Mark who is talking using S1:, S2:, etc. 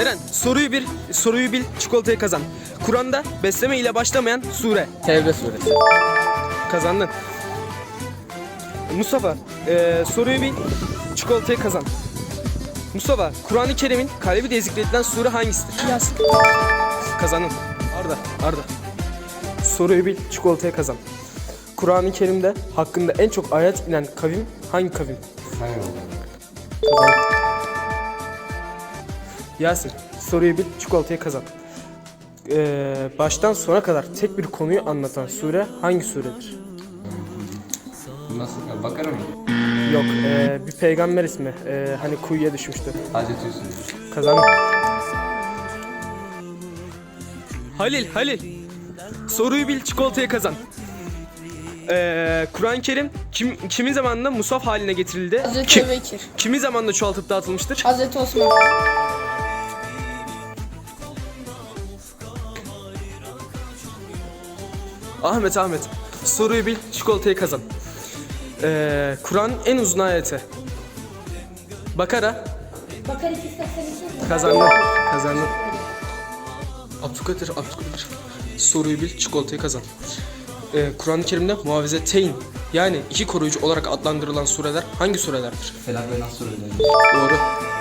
S1: Eren, soruyu bil, çikolatayı kazan. Kur'an'da besleme ile başlamayan sure.
S2: Tevbe suresi.
S1: Kazandın. Mustafa, soruyu bil, çikolatayı kazan. Mustafa, Kur'an-ı Kerim'in kalbi diye zikredilen sure hangisidir?
S3: Yasin.
S1: Kazandın. Arda. Soruyu bil, çikolatayı kazan. Kur'an-ı Kerim'de hakkında en çok ayet inen kavim hangi kavim? Kazandın. Yasin, soruyu bil, çikolatayı kazan. Baştan sona kadar tek bir konuyu anlatan sure hangi suredir?
S2: Nasıl? Bakara mı?
S1: Yok, bir peygamber ismi. Hani kuyuya düşmüştü.
S2: Hazreti Yusuf.
S1: Kazandım. Halil. Soruyu bil, çikolatayı kazan. Kur'an-ı Kerim kimin zamanında mushaf haline getirildi?
S3: Hazreti Ebubekir.
S1: Kimin zamanında çoğaltıp dağıtılmıştır?
S3: Hazreti Osman.
S1: Ahmet. Soruyu bil, çikolatayı kazan. Kur'an'ın en uzun ayeti. Bakara.
S3: Bakar 282.
S1: Kazandın. Abdülkadir. Soruyu bil, çikolatayı kazan. Kur'an-ı Kerim'de muavizeteyn yani iki koruyucu olarak adlandırılan sureler hangi surelerdir?
S2: Felak ve Nas sureleri.
S1: Doğru.